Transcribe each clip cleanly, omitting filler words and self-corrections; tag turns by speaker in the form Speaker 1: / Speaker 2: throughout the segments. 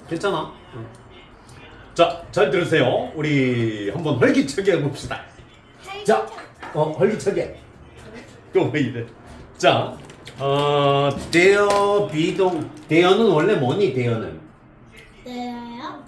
Speaker 1: 괜찮아. 자, 잘 들으세요. 우리 한번 활기차게 해봅시다. 자, 활기차게. 또 왜 이래? 자, 대여 비동. 대여는 원래 뭐니? 대여는
Speaker 2: 되어요?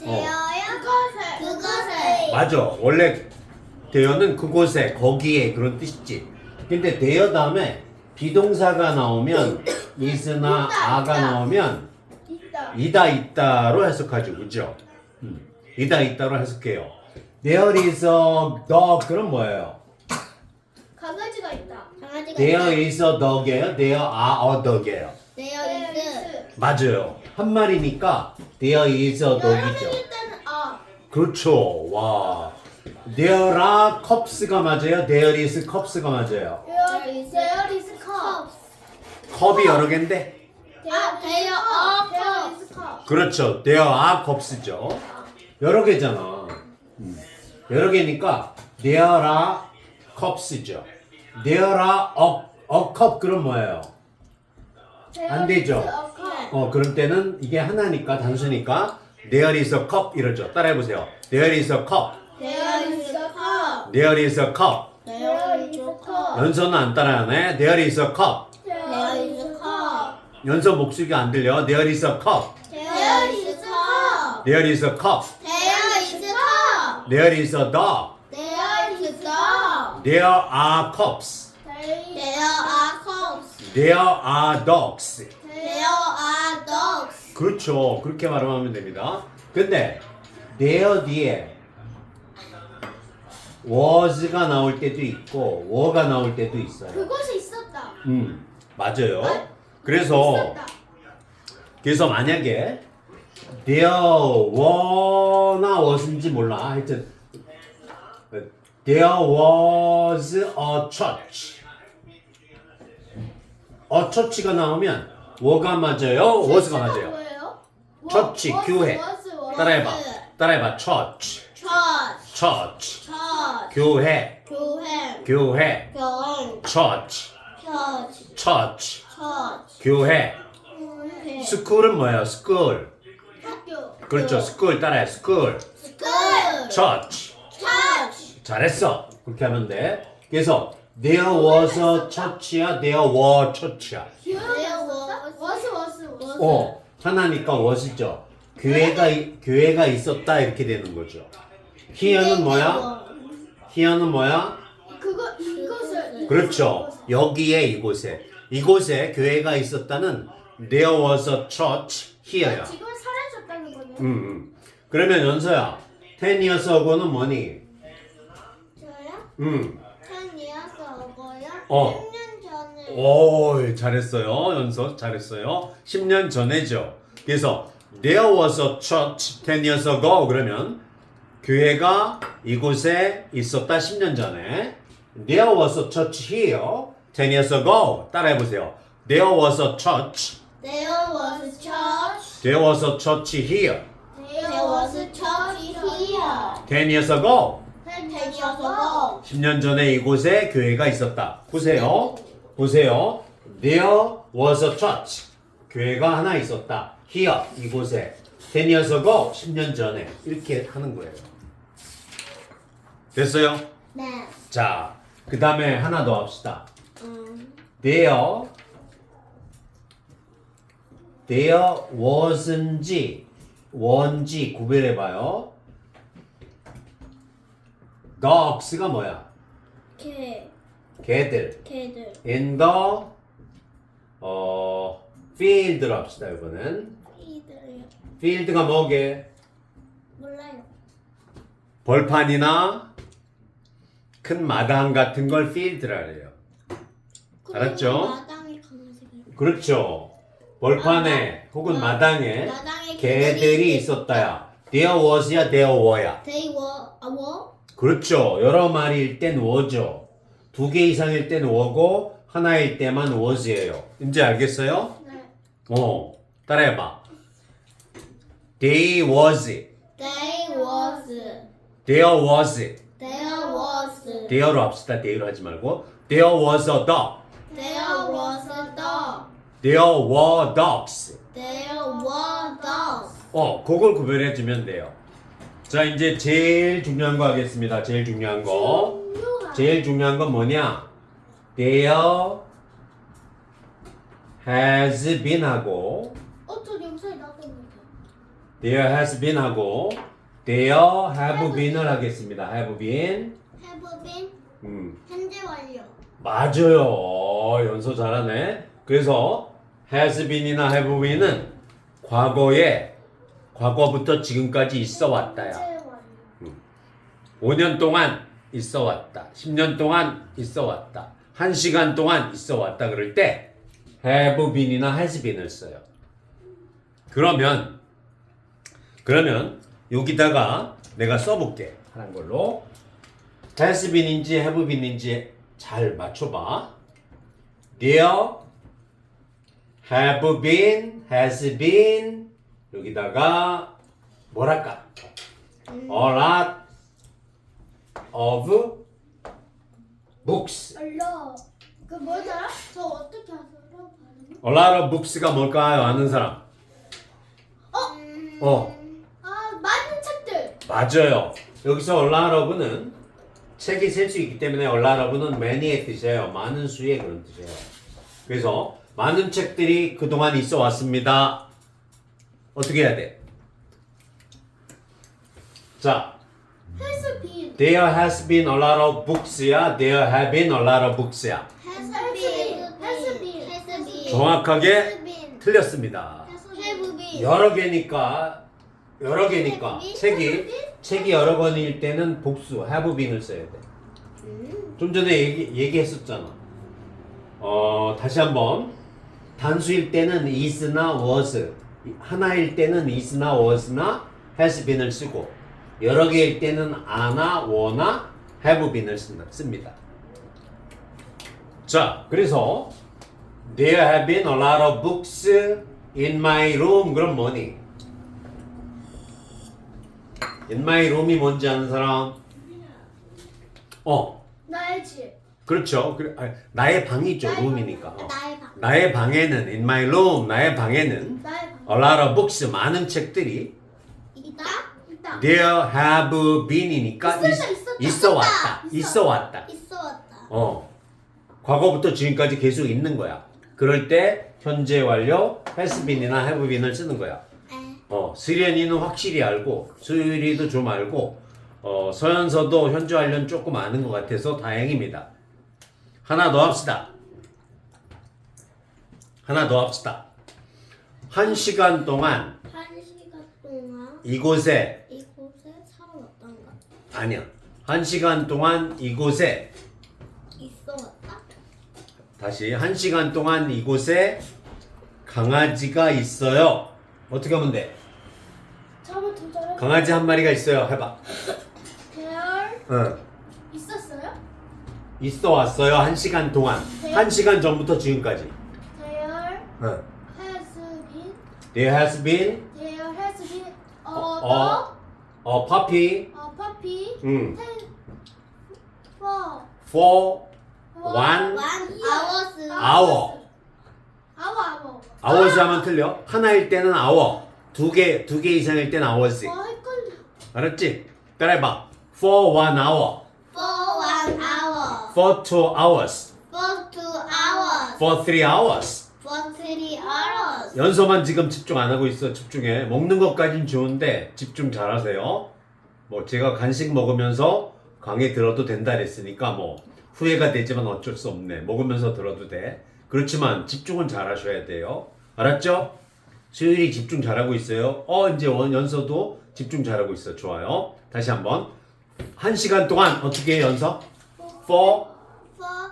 Speaker 2: 그것을
Speaker 1: 맞아. 원래 대여는 그곳에, 거기에 그런 뜻이지. 근데 대여 다음에 비동사가 나오면 is나 a가 나오면 있다로 해석하죠, 그죠? 있다로 해석해요. There is a dog. 그럼 뭐예요?
Speaker 2: 강아지가 있다. 강아지가
Speaker 1: There is a dog이에요? There are a dog이에요?
Speaker 2: 되어 있어.
Speaker 1: 맞아요. 한 마리니까 there is a dog이죠.
Speaker 2: 때는
Speaker 1: 그렇죠. 와. There are cups가 맞아요? There is cups가 맞아요?
Speaker 2: There is cups.
Speaker 1: 컵이 여러 개인데?
Speaker 2: there is cups.
Speaker 1: 그렇죠. There are cups죠. 여러 개잖아. 여러 개니까 there are cups죠. There are a cup. 그럼 뭐예요? 안 되죠. 그럴 때는 이게 하나니까 단수니까 there is a cup 이러죠. 따라해보세요. There is a cup.
Speaker 2: There is a cup.
Speaker 1: There is a cup.
Speaker 2: There is a cup.
Speaker 1: 연서는 안 따라하네. There is a cup.
Speaker 2: There is a cup.
Speaker 1: 연서 목소리가 안 들려. There is a cup.
Speaker 2: There is a cup.
Speaker 1: There is a cup.
Speaker 2: There is a cup.
Speaker 1: There is a dog.
Speaker 2: There is a dog.
Speaker 1: There are cups.
Speaker 2: There are cups.
Speaker 1: There are dogs.
Speaker 2: There are dogs.
Speaker 1: 그렇죠. 그렇게 말하면 됩니다. 근데 there 뒤에 was가 나올 때도 있고 were가 나올 때도 있어요.
Speaker 2: 그곳에 있었다.
Speaker 1: 맞아요. 그래서 만약에 there were나 was인지 몰라. 하여튼 there was a church. a church가 나오면 were가 맞아요? was가 맞아요?
Speaker 2: 뭐예요?
Speaker 1: 처치, 교회. 따라해봐. church.
Speaker 2: Church.
Speaker 1: church.
Speaker 2: Church.
Speaker 1: 교회.
Speaker 2: 교회.
Speaker 1: 교회.
Speaker 2: 교회.
Speaker 1: church.
Speaker 2: Church.
Speaker 1: church.
Speaker 2: Church.
Speaker 1: 교회.
Speaker 2: 교회.
Speaker 1: school은 뭐야? school.
Speaker 2: 학교.
Speaker 1: 그렇죠. school 따라해. school.
Speaker 2: School.
Speaker 1: church.
Speaker 2: Church.
Speaker 1: 잘했어. 그렇게 하면 돼. 그래서 there was a church야, there were church야.
Speaker 2: There was.
Speaker 1: 하나니까 was죠. 교회가 있었다 이렇게 되는 거죠. here는 뭐야? here는 뭐야?
Speaker 2: 이것을.
Speaker 1: 그렇죠. 여기에 이곳에 교회가 있었다는 there was a church here야.
Speaker 2: 지금 사라졌다는 거네요.
Speaker 1: 그러면 연서야, 10 years ago는 뭐니?
Speaker 2: 저요? 10 years ago요? 10년 전에.
Speaker 1: 오, 잘했어요. 연서 잘했어요. 10년 전에죠. 그래서 there was a church 10 years ago 그러면 교회가 이곳에 있었다 10년 전에. There was a church here 10 years ago. 따라해 보세요. There was a church.
Speaker 2: There was a church.
Speaker 1: There was a church here
Speaker 2: There was a church here.
Speaker 1: 10 years ago.
Speaker 2: 10 years ago.
Speaker 1: 10년 전에 이곳에 교회가 있었다. 보세요. There was a church. 교회가 하나 있었다. Here, 이곳에. 10 years ago, 10년 전에. 이렇게 하는 거예요. 됐어요?
Speaker 2: 네.
Speaker 1: 자, 그 다음에 하나 더 합시다. There wasn't 원지 구별해봐요. dogs가 뭐야? 개들.
Speaker 2: 개들.
Speaker 1: in the field로 합시다. 이번엔
Speaker 2: 이들요.
Speaker 1: field가 뭐게?
Speaker 2: 몰라요.
Speaker 1: 벌판이나 큰 마당 같은 걸 field라 해요. 알았죠?
Speaker 2: 마당에 강아지가.
Speaker 1: 그렇죠. 벌판에 혹은 마당에
Speaker 2: 마당에
Speaker 1: 개들이 있었다야. There was야, there were야.
Speaker 2: They were.
Speaker 1: 그렇죠. 여러 마리일 땐 were죠. 2개 이상일 땐 were고 하나일 때만 was예요. 이제 알겠어요?
Speaker 2: 네.
Speaker 1: 따라해봐. They was.
Speaker 2: They was.
Speaker 1: There was.
Speaker 2: There was.
Speaker 1: there로 합시다. there로 하지 말고. There was a dog.
Speaker 2: There was a dog.
Speaker 1: There were dogs.
Speaker 2: There were dogs.
Speaker 1: 그걸 구별해 주면 돼요. 자, 이제 제일 중요한 거 하겠습니다. 제일 중요한 거. 제일 중요한 건 뭐냐? There has been 하고
Speaker 2: 저 영상에 나왔던 거.
Speaker 1: There has been 하고 There have been을 하겠습니다. Have been.
Speaker 2: Have been 현재 완료.
Speaker 1: 맞아요. 연서 잘하네. 그래서 has been이나 have been은 과거에 과거부터 지금까지 있어 왔다야.
Speaker 2: 현재 완료.
Speaker 1: 5년 동안 있어 왔다. 10년 동안 있어 왔다. 1시간 동안 있어 왔다 그럴 때 have been이나 has been을 써요. 그러면 여기다가 내가 써볼게. 하는 걸로 has been인지 have been인지 잘 맞춰봐. There have been, has been 여기다가 뭐랄까? A lot of books.
Speaker 2: 알려. 그 뭐더라? 저 어떻게 하세요? 발음이?
Speaker 1: A lot of books가 뭘까요? 아는 사람?
Speaker 2: 많은 책들.
Speaker 1: 맞아요. 여기서 a lot of는 책이 셀 수 있기 때문에 a lot of는 many의 뜻이에요. 많은 수의 그런 뜻이에요. 그래서 많은 책들이 그동안 있어 왔습니다. 어떻게 해야 돼? 자,
Speaker 2: has been.
Speaker 1: there has been a lot of books야, there have been a lot of books야.
Speaker 2: has been. has been. has been.
Speaker 1: 정확하게
Speaker 2: has been.
Speaker 1: 틀렸습니다.
Speaker 2: have been.
Speaker 1: 여러 개니까 책이 여러 권일 때는 복수 have been을 써야 돼. 좀 전에 얘기했었잖아. 다시 한번 단수일 때는 is나 was, 하나일 때는 is나 was나 has been을 쓰고 여러 개일 때는 a나 were나 have been을 씁니다. 자, 그래서 there have been a lot of books in my room. 그럼 뭐니? In my room이 뭔지 아는 사람?
Speaker 2: 나의 집.
Speaker 1: 그렇죠. 나의 방이죠. room이니까.
Speaker 2: 나의 방.
Speaker 1: 나의 방에는 in my room, 나의 방에는
Speaker 2: 나의 방.
Speaker 1: a lot of books, 많은 책들이
Speaker 2: 있다.
Speaker 1: there have been이니까 있어 왔다. 있어 왔다.
Speaker 2: 있어 왔다.
Speaker 1: 과거부터 지금까지 계속 있는 거야. 그럴 때 현재 완료 has been이나 have been을 쓰는 거야. 수련이는 확실히 알고 수율이도 좀 알고 서연서도 현재 완료는 조금 아는 것 같아서 다행입니다. 하나 더 합시다. 1시간 동안
Speaker 2: 1시간 동안
Speaker 1: 이곳에
Speaker 2: 살아왔던가?
Speaker 1: 아니야. 1시간 동안 이곳에
Speaker 2: 있어 왔다?
Speaker 1: 다시 1시간 동안 이곳에 강아지가 있어요. 어떻게 하면 돼?
Speaker 2: 저부터 저를
Speaker 1: 강아지 한 마리가 있어요. 해봐.
Speaker 2: there 있었어요?
Speaker 1: 있어 왔어요. 1시간 동안. 1시간 전부터 지금까지.
Speaker 2: There
Speaker 1: 응.
Speaker 2: has been
Speaker 1: There has been
Speaker 2: there has been
Speaker 1: a puppy
Speaker 2: a puppy
Speaker 1: 응.
Speaker 2: for
Speaker 1: for 1 hour. hours 하면 틀려. 하나일 때는 hour. 두 개 이상일 때는 hours.
Speaker 2: 헷갈려.
Speaker 1: 알았지? 따라해봐. for 1 hour.
Speaker 2: For 1 hour.
Speaker 1: for 2 hours.
Speaker 2: For 2 hours.
Speaker 1: for 3 hours.
Speaker 2: For 3 hours.
Speaker 1: 연서만 지금 집중 안 하고 있어. 집중해. 먹는 것까진 좋은데 집중 잘하세요. 뭐 제가 간식 먹으면서 강의 들어도 된다 그랬으니까 뭐 후회가 되지만 어쩔 수 없네. 먹으면서 들어도 돼. 그렇지만 집중은 잘하셔야 돼요. 알았죠? 수율이 집중 잘하고 있어요. 이제 연서도 집중 잘하고 있어. 좋아요. 다시 한번. 1시간 동안 어떻게 해, 연서? for
Speaker 2: For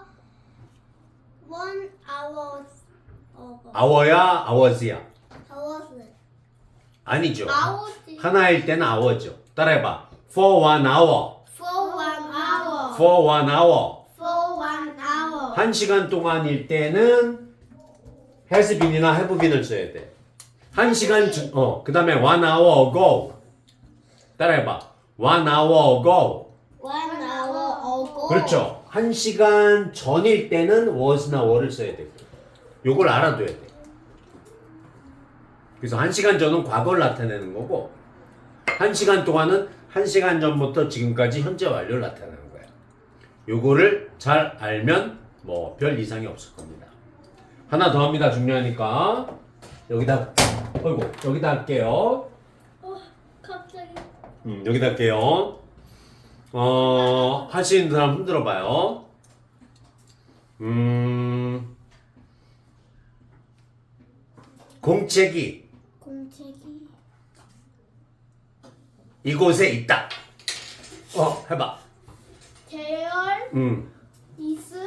Speaker 2: 1 hour.
Speaker 1: hour야, hours야?
Speaker 2: hours.
Speaker 1: 아니죠.
Speaker 2: hours.
Speaker 1: 하나일 때는 hour죠. 따라해봐. for 1 hour.
Speaker 2: For 1 hour.
Speaker 1: for 1 hour.
Speaker 2: For 1 hour.
Speaker 1: 1시간 동안일 때는 has been이나 have been을 써야 돼. 1시간 그 다음에 1 hour ago. 따라해봐. 1 hour ago.
Speaker 2: 1 hour ago.
Speaker 1: 그렇죠. 1시간 전일 때는 was나 were를 써야 돼. 요걸 알아둬야 돼. 그래서 1시간 전은 과거를 나타내는 거고 1시간 동안은 1시간 전부터 지금까지 현재 완료를 나타내는 거예요. 요거를 잘 알면 뭐 별 이상이 없을 겁니다. 하나 더 합니다. 중요하니까. 여기다 여기다 할게요.
Speaker 2: 갑자기.
Speaker 1: 여기다 할게요. 할 수 있는 사람 흔들어 봐요. 공책이
Speaker 2: 공책이
Speaker 1: 이곳에 있다. 해봐.
Speaker 2: 대열
Speaker 1: 음,
Speaker 2: 이스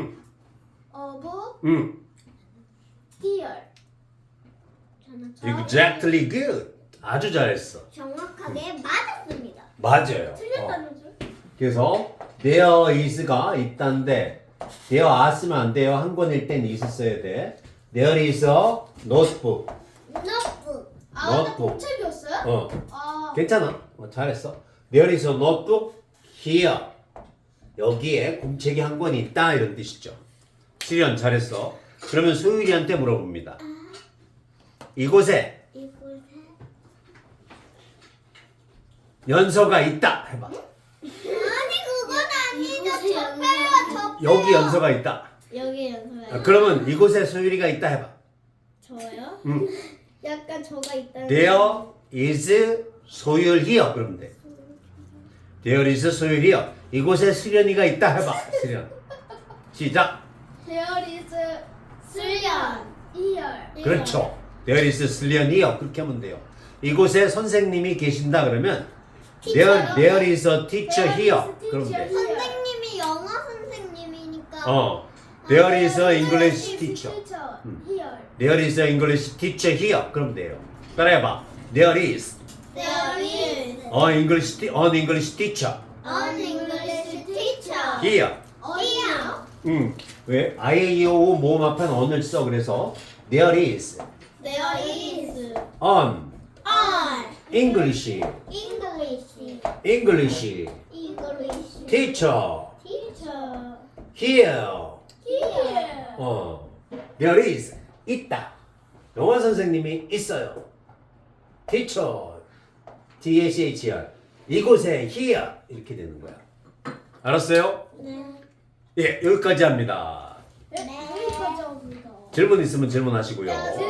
Speaker 2: 어브 디얼.
Speaker 1: Exactly good. 아주 잘했어.
Speaker 2: 정확하게 맞았습니다.
Speaker 1: 맞아요.
Speaker 2: 틀렸다는 줄?
Speaker 1: 그래서 there is가 있다는데 there are 쓰면 안 돼요. 한 권일 땐 is 써야 돼. There is a notebook.
Speaker 2: 노트북. 나
Speaker 1: 노트북.
Speaker 2: 공책이었어요? 아.
Speaker 1: 괜찮아. 잘했어. There is a notebook here. 여기에 공책이 한 권 있다 이런 뜻이죠. 수련 잘했어. 그러면 소율이한테 물어봅니다. 이곳에
Speaker 2: 이곳에
Speaker 1: 연서가 있다 해봐.
Speaker 2: 아니 그건 아니죠. 적배요.
Speaker 1: 여기 연서가 있다.
Speaker 2: 여기 연서요.
Speaker 1: 그러면 이곳에 소율이가 있다 해봐.
Speaker 2: 저요?
Speaker 1: 음.
Speaker 2: 약간 저가 있다는.
Speaker 1: There is 소율 here 그러면 돼. There is 소율 here. 이곳에 수련이가 있다 해봐. 수련. 시작.
Speaker 2: There is 수련. 이열.
Speaker 1: 그렇죠. There is 수련 here 그렇게 하면 돼요. 이곳에 선생님이 계신다 그러면 there is a teacher here 그러면 돼.
Speaker 2: 선생님이 영어 선생님이니까.
Speaker 1: There is a English teacher.
Speaker 2: Here.
Speaker 1: There is a English teacher here 그러면 돼요. 따라해봐. There is
Speaker 2: There is
Speaker 1: an English teacher
Speaker 2: an English teacher.
Speaker 1: here.
Speaker 2: Here.
Speaker 1: 왜? IAEO 모음 앞엔 on을 써 그래서 there is
Speaker 2: There is
Speaker 1: an
Speaker 2: an
Speaker 1: English
Speaker 2: English
Speaker 1: teacher
Speaker 2: teacher.
Speaker 1: here.
Speaker 2: Here.
Speaker 1: There is 있다. 영어 선생님이 있어요. Teacher THR 이곳에 here 이렇게 되는 거야. 알았어요?
Speaker 2: 네.
Speaker 1: 예, 여기까지 합니다.
Speaker 2: 여기까지 합니다.
Speaker 1: 질문 있으면 질문하시고요.